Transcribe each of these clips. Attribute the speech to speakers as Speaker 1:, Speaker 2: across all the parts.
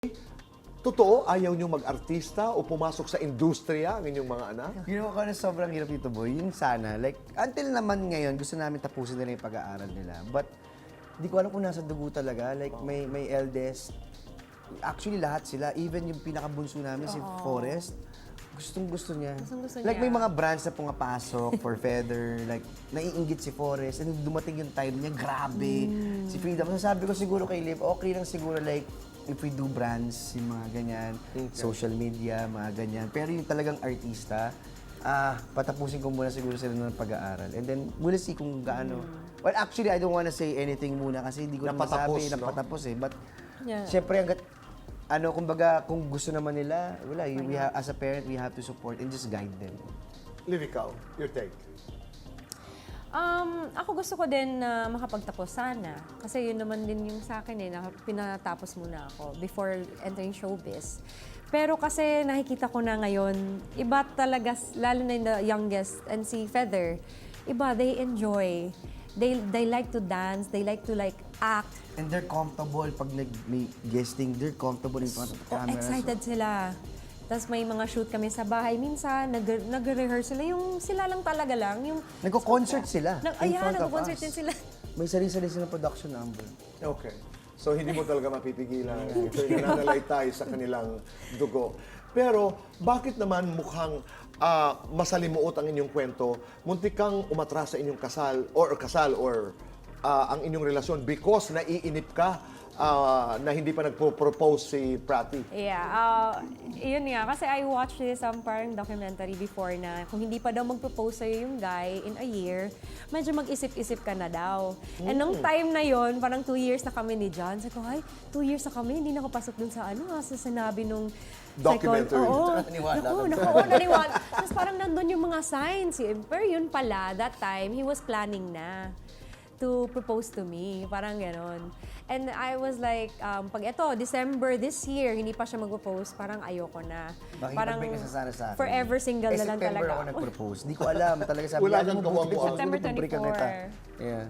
Speaker 1: Totoo, ayaw nyo mag-artista o pumasok sa industriya ang inyong mga anak?
Speaker 2: You know, kung ano sobrang hirap dito, boy, yung sana, like, until naman ngayon, gusto namin tapusin nila yung pag-aaral nila. But, di ko alam kung nasa dugo talaga. Like, may eldest. Actually, lahat sila. Even yung pinakabunso namin, si Forrest, gustong-gusto niya.
Speaker 3: Gustong-gusto
Speaker 2: Like,
Speaker 3: niya.
Speaker 2: may mga brands na pumapasok for Feather. Like, naiinggit si Forrest. And dumating yung time niya, grabe. Si Freedom. So, sabi ko siguro kay Liv, okay lang siguro, like, if we do brands, yung mga ganyan, social media, mga ganyan. Pero yung talagang artista, patapusin ko muna siguro sila ng pag-aaral. And then, we'll see kung gaano. Well, actually, I don't wanna say anything muna kasi hindi ko na
Speaker 1: Napatapos,
Speaker 2: masabi,
Speaker 1: no?
Speaker 2: napatapos eh. But,
Speaker 3: Yeah.
Speaker 2: syempre, hanggat, kumbaga, kung gusto naman nila, wala, as a parent, we have to support and just guide them.
Speaker 1: Liv, ikaw, your take.
Speaker 3: Ako gusto ko din na makapagtapos sana. Kasi yun naman din yung sa akin na pinatapos muna ako before entering showbiz. Pero kasi nakikita ko na ngayon, iba talaga, lalo na yung the youngest and si Feather, iba, they enjoy. They like to dance, they like to act.
Speaker 2: And they're comfortable pag may guesting, they're comfortable in front of the camera.
Speaker 3: Excited sila. Tapos may mga shoot kami sa bahay. Minsan, nag-rehearse sila. Yung sila lang talaga lang. Yung
Speaker 2: Nagko-concert sila.
Speaker 3: Ayan, nag-concert din sila.
Speaker 2: May sarili-sarili silang production number.
Speaker 1: Okay. So, hindi mo talaga mapipigilan. Ito yung nananalay tayo sa kanilang dugo. Pero, bakit naman mukhang masalimuot ang inyong kwento? Muntik kang umatras sa inyong kasal or ang inyong relasyon because naiinip ka na hindi pa nagpo-propose si Prati.
Speaker 3: Yeah, yun nga. Kasi I watched this parang documentary before na kung hindi pa daw mag-propose sa'yo yung guy in a year, medyo mag-isip-isip ka na daw. And nung time na yon parang 2 years na kami ni John. Sabi ko, ay, 2 years na kami, hindi nakapasok dun sa sa sinabi nung
Speaker 1: Documentary.
Speaker 3: Oo,
Speaker 2: Naniwala ka.
Speaker 3: naniwala. Tapos parang nandun yung mga signs. Pero yun pala, that time, he was planning na to propose to me. Parang ganon. And I was like, pag ito, December this year, hindi pa siya mag-propose, parang ayoko na. Parang
Speaker 2: Makikipag-break na sana sa akin.
Speaker 3: forever single na lang
Speaker 2: September
Speaker 3: talaga
Speaker 2: ako nag-propose. Di ko alam. Talaga sabi
Speaker 1: Wala
Speaker 2: niya,
Speaker 1: kang
Speaker 2: "Ano, buti
Speaker 1: kawang-kawang."
Speaker 2: siguro
Speaker 3: September
Speaker 2: mag-break ang
Speaker 3: 24.
Speaker 2: kita." Yeah.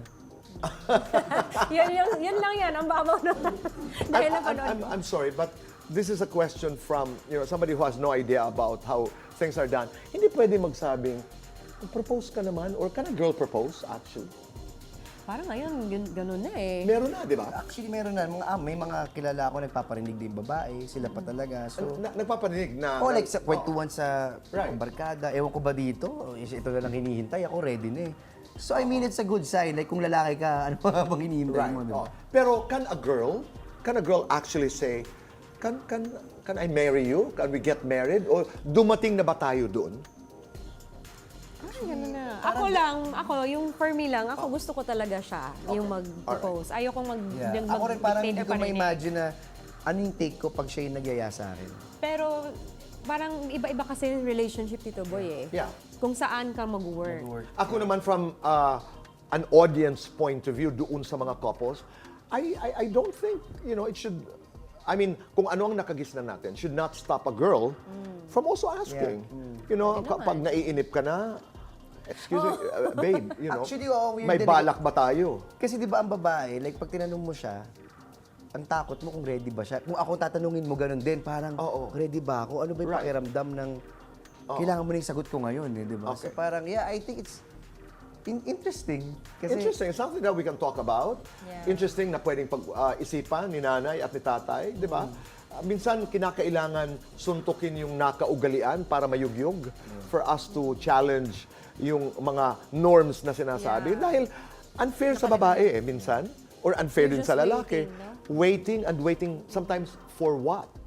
Speaker 3: yun lang yan, ang babaw na. Dahil napanood ko.
Speaker 1: I'm sorry, but this is a question from somebody who has no idea about how things are done. Hindi pwede magsabing, propose ka naman, or can a girl propose, actually?
Speaker 3: Parang ngayon, ganun na eh.
Speaker 1: Meron na, di ba?
Speaker 2: Actually, meron na. May mga kilala ako nagpaparinig din babae. Sila pa talaga. So,
Speaker 1: Nagpapaninig na...
Speaker 2: like sa kwentuhan sa
Speaker 1: Right.
Speaker 2: barkada. Ewan ko ba dito? Ito na lang hinihintay. Ako ready na eh. So, I mean, it's a good sign. Like, kung lalaki ka, ano pa bang hinihintay
Speaker 1: Right.
Speaker 2: mo? Diba?
Speaker 1: Pero can a girl actually say, can I marry you? Can we get married? O dumating na ba tayo doon?
Speaker 3: Ganun na. Yung for me lang, ako gusto ko talaga siya, yung mag-propose. Ayoko
Speaker 2: Yeah. Ako rin parang hindi ko ma-imagine na ano yung take ko pag siya yung nagyaya sa akin.
Speaker 3: Pero parang iba-iba kasi yung relationship dito, boy eh.
Speaker 1: Yeah.
Speaker 3: Kung saan ka mag-work.
Speaker 1: Ako naman from an audience point of view doon sa mga couples, I don't think, it should, I mean, kung ano ang nakagisnan natin, should not stop a girl from also asking. Kapag naiinip ka na, excuse me, babe,
Speaker 2: Actually, weird
Speaker 1: may
Speaker 2: din
Speaker 1: balak ba tayo?
Speaker 2: Kasi di ba ang babae, like pag tinanong mo siya, ang takot mo kung ready ba siya. Kung ako tatanungin mo ganun din, parang ready ba ako? Ano ba yung pakiramdam ng kailangan mo na yung sagot ko ngayon, eh, di ba?
Speaker 1: Okay.
Speaker 2: So parang, yeah, I think it's interesting. Kasi,
Speaker 1: Interesting. Something that we can talk about.
Speaker 3: Yeah.
Speaker 1: Interesting na pwedeng pag-isipan ni nanay at ni tatay, di ba? Minsan, kinakailangan suntukin yung nakaugalian para mayugyog for us to challenge yung mga norms na sinasabi.
Speaker 3: Yeah.
Speaker 1: Dahil unfair sa babae minsan, or unfair din
Speaker 3: You're
Speaker 1: sa
Speaker 3: just
Speaker 1: lalaki.
Speaker 3: waiting, no?
Speaker 1: Waiting and waiting sometimes for what?